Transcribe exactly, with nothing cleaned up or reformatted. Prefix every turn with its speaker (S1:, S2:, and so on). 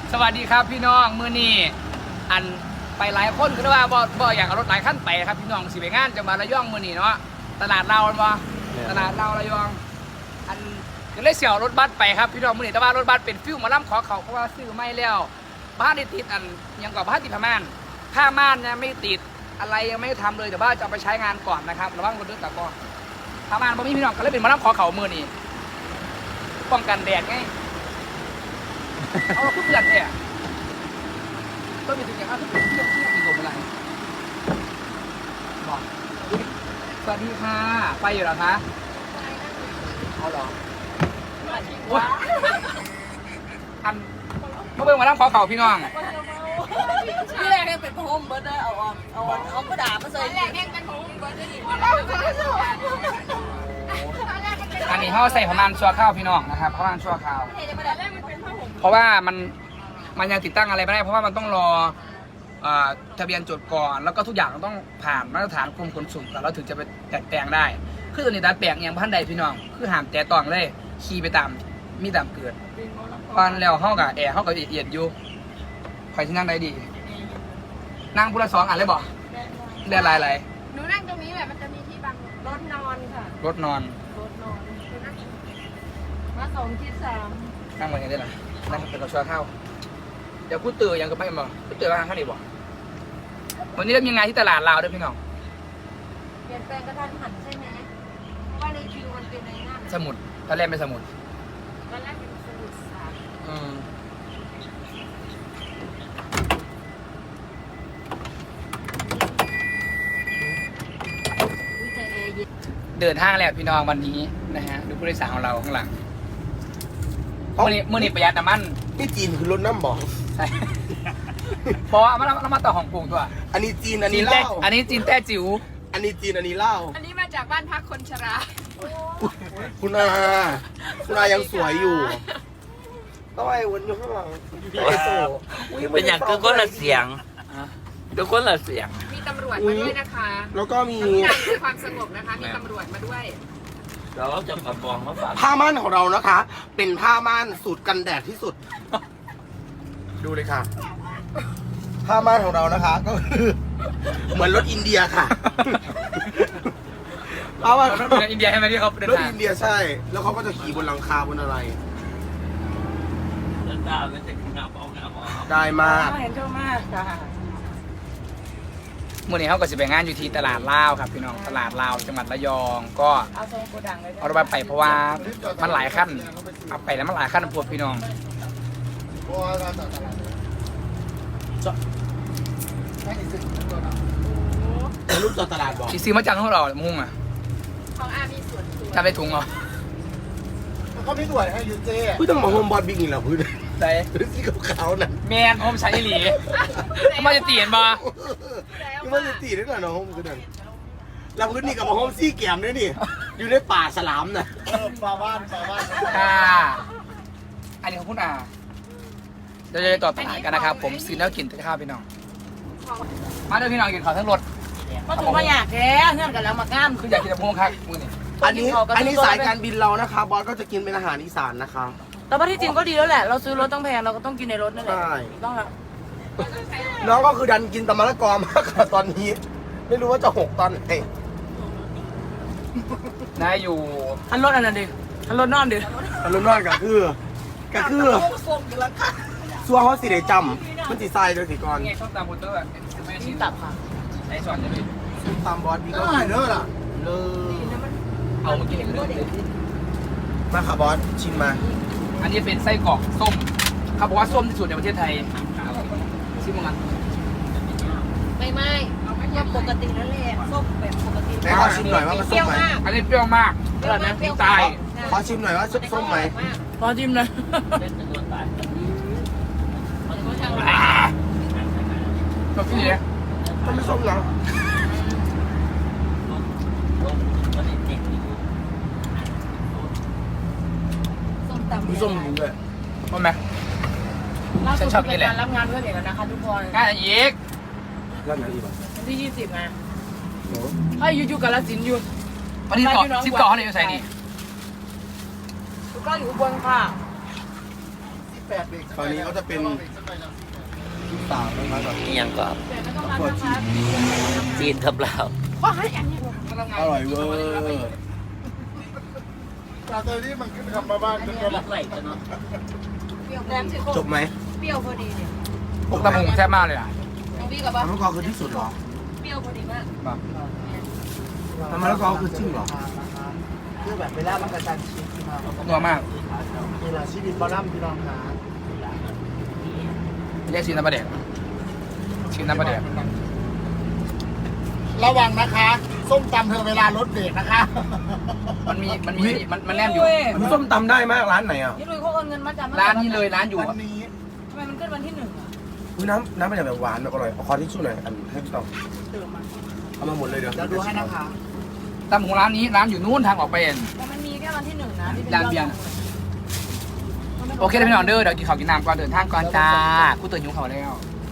S1: สวัสดีครับพี่น้องมื้อนี้อันไปหลายคนคือว่าบ่บ่อยากเอารถหลายขั้นไปครับพี่น้องสิไปงานจังหวัดระยองมื้อนี้เนาะตลาดเราบ่ตลาดเราระยองอันก็เลยเสี่ยวรถบัสไปครับพี่น้องมื้อนี้แต่ว่ารถบัสเป็นฟิวหมอลำขอเขาเพราะว่าซื้อไม่แล้วบ้านได้ติดอันยังกับบ้านติดผ้าม่านผ้าม่านเนี่ยไม่ติดอะไรยังไม่ทำเลยแต่ว่าจะเอาไปใช้งานก่อนนะครับระวังรถด้วยตะกอนผ้าม่านบ่มีพี่น้องก็เลยเป็นหมอลำขอเขามื้อนี้ป้องกันแดดไงเอาเพื่อนเนี่ยก็มีถึงอย่างนั้นเที่ยวเที่ยวมีกลุ่มอะไรบอกสวัสดีค่ะไปอยู่หรอคะเอาหรออันเมื่อเบิ่งมาล้างขอเข่าพี่น้อง
S2: ที่แรกเนี่ยเป็นโฮมเบิร์ดเอาออกเอาเอากระดาษมาใส่แรกเนี่ยเป็นโฮมเบิร์ดเลย
S1: อันนี้เขาใส่ประมาณชั่วข้าวพี่น้องนะครับประมาณชั่วข้าวเพราะว่ามันมันยังติดตั้งอะไรไม่ได้เพราะว่ามันต้องรอทะเบียนจดก่อนแล้วก็ทุกอย่างต้องผ่านมาตรฐานกรมขนส่งก่อนแล้วถึงจะไปแตะแปลงได้คือตัวนี้ดัดแปลงอย่างพันใดพี่น้องคือห้ามแตะต้องเลยขี่ไปตามมีตามเกิดตอนแล้วเขากับแอร์เขากับเอียดอยู่ใครที่นั่งได้ดีนั่งพุทธสองอ่านเลยบอกเรียนอะไรอะไร
S2: หนูนั่งตรงนี้แบบมันจะมีที่บังรถนอนค่ะ
S1: รถนอน
S2: รถนอนมาสองที่สาม
S1: นั่งมาอย่างนี้ได้หรอนั่งเป็นกระชัวเข้าเดี๋ยวกูตื่นยังก็ไปบ่กูตื่นมาข้างนี้บ่วันนี้เรามีงานที่ตลาดลาวด้วยพี่น้อง
S2: เปลี่ยนแปลงกระทันหันใช่ไหมเพราะว่าในคิวมันเป็นในหน้า
S1: สมุดตอนแรกเป็นสมุด
S2: ตอนแรกเป็นสมุดสาม
S1: อืมเดินห้างแล้วพี่น้องวันนี้นะฮะดูผู้โดยสารของเราข้างหลังเมื่อนี้เมื่อนี้ประหยัดน้ำมัน
S3: นี่จีนคือรถน้ำบอก
S1: ใช่เพราะเราเรามาต่อของกรุงตัว
S3: อันนี้จีนอันนี้เล่า
S1: อันนี้จีนแต้จิ๋ว
S3: อันนี้จีนอันนี้เล่า
S2: อันนี้มาจากบ้านพักคนชรา
S3: คุณอาคุณอายังสวยอยู่ต้องไอ้วนอยู่ข้างหลัง
S4: เป็นอย่างคือคนละเสียงทุกคนละเสียง
S2: มีตำรวจมาด้วยนะคะ
S3: แล้วก็มี
S2: การคือความสงบนะคะมีตำรวจมาด้วย
S4: เราจะกระบองมาฝาก
S3: ผ้าม่านของเรานะคะ เป็นผ้าม่านสูตรกันแดดที่สุดดูเลยค่ะผ้าม่านของเรานะคะก็คือเหมือนรถอินเดียค่ะ
S1: ผ้าม่านรถอินเดียใช่ไหมที่เขา
S3: รถอินเดียใช่แล้วเขาก็จะขี่บนหลังคาบนอะไรได้มาก
S2: เห็นชอบมากค่ะ
S1: เมื่อนี้เขาก็จะไปงานอยู่ที่ตลาดลาวครับพี่น้องตลาดลาวจังหวัดระยองก็
S2: เอาโซนโกดังเลย
S1: เอารถไปเพราะว่ามันหลายขั้นเอาไปแล้วมันหลายขั้นพวกพี่น้อง
S3: รูปจอดตลาดบอก
S1: ซื้อมาจากของเรามุ่งอ่ะ
S2: ของอามีส่วน
S1: ทำไปถุงเหรอ
S3: เขาไม่สวยให้ยูเจ้พี่ต้องมาโฮมบอลบิ๊กอีกแล้วพี่
S1: ใช่
S3: สีขาวๆน่ะ
S1: แมนโฮมใช้หลีทำไมจะตีนบ่
S3: ทำไมจะตีได้หน่อยน้องโฮมคือนั่นเราพื้นนี่กับโฮมซี่แกมด้วยนี่อยู่ในป่าสลามน่ะป่าบ้านป่าบ้าน
S1: ค่ะอันนี้ของคุณอาเดี๋ยวจะต่อตลาดกันนะครับผมซื้อแล้วกินข้าวพี่น้องมาด้วยพี่น้องกินข้าวทั้งรถ
S2: มาถูกมาอยากแท้เงื่อนกันแล้วมาก้าม
S1: คืออยากกินแต่พวงครับมือนี่
S3: อันนี้อันนี้สายการบินเรานะคะบอสก็จะกินเป็นอาหารอีสานนะคะ
S2: แต่ว่าที่จริงก็ดีแล้วแหละเราซื้อรถต้องแพงเราก็ต้องกินในรถนั่นแหละต้องละ
S3: น้องก็คือดันกินตะมะละกอมากค่ะตอนนี้ไม่รู้ว่าจะหกตอนไหน
S1: นายอยู่
S2: อันรถอันนั้นดิอันรถนอนดิ
S3: อันรถนอนก็คือก็คือซัวเขาสีได้จำมันสีทรายโดยสีกร
S1: ไงชอบตามโปสเตอร์
S2: ไม่ชิ้นตับค่ะ
S1: ไอ้สอนจะดิ
S3: ตามบอสมีก็เนื้อล่ะเลย
S1: เอามากินเลย
S3: มาค่ะบอสชิมมา
S1: อันนี้เป็นไส้กรอกส้มเขาบอกว่าส้มที่สุดในประเทศไทยชิมมัน
S2: ไม่ไม่ก็ปกติแล้วแหละส้มแบบปกติ
S3: แต่ขอชิมหน่อยว่ามันส้มไหม
S1: อันนี้เปรี้ยวมาก
S2: เปรี้ยวมาก
S1: ตาย
S3: ขอชิมหน่อยว่าส้มไหม
S2: ขอชิมเลย
S1: ก็พี่เนี่ย
S3: มันไม่ส้มหรอมีส้มจริงด้วย
S1: ใช่ไหมฉันชอบกินแหละ
S2: รับงานเพื่อนเอกนะคะทุกคน
S1: งานอีก
S3: รับงานอีกป่ะ
S2: วันที่ยี่สิบไงให้ยูยูกับละสินยู
S1: วันที่สิบเก้าสิบเก้าเขาเนี่ยอยู่ใส่นี่
S2: ทุกคนอยู่บนค่ะ
S3: ตอนนี้ก็จะเป็นลูกสาวนะครับแบบ
S4: นี่ยังก็จีนกับเรา
S3: อร่อยเวอร์
S5: จากตอนนี้มันขึ้นคำมาบ้านขึ้นก็มา
S2: แหนมสิโค
S3: จบไหม
S2: เปรี้ยวพอดีเนี่ย
S1: พวกตะมุงแซ่บมากเลยอ่ะ
S2: น้องพี่กับว่า
S3: น้ำมะกอกคือที่สุดเหรอ
S2: เปรี้ยวพอดีมาก
S3: น้ำมะกอกคือจริงเหรอ
S5: คือแบบเวลามันกระชันชิดที่มา
S1: นัวมาก
S5: เวลาชีวิตบอลลัมพี่น้องขา
S1: เรียกชินน้ำปลาแดกชินน้ำปลาแดก
S5: ระวังนะคะ ส้มตำเธอเวลารถเบรกนะคะ
S1: มันมีมันมีมันมันแนมอยู่
S3: มันส้มตำได้มากร้านไหนอ่ะ
S2: นี่ลุยเขาโอนเงินมาจำ
S1: ร้านนี้เลยร้านอยู่
S5: วันนี้
S2: ทำไมมันขึ้นวันที่หนึ่งอ่ะ
S3: อุ้ยน้ำน้ำมันแบบหวานแบบอร่อยเอาคอที่สุดหน่อยอันให้พี่ต้องเอามาหมดเลยเดี๋ยว
S5: เดี๋ยวดูให้นะคะ
S1: ตำของร้านนี้ร้านอยู่นู้นทางออกไปเอง
S2: แต่มันมีแค่วันที่หนึ่งนะที่เป็น
S1: ร้านเบียร์ โอเคเลยพี่น้องเด้อเดี๋ยวกินข้าวกินน้ำก่อนเดินทางก่อนจ้ากูตื่นหิวข้าวแล้ว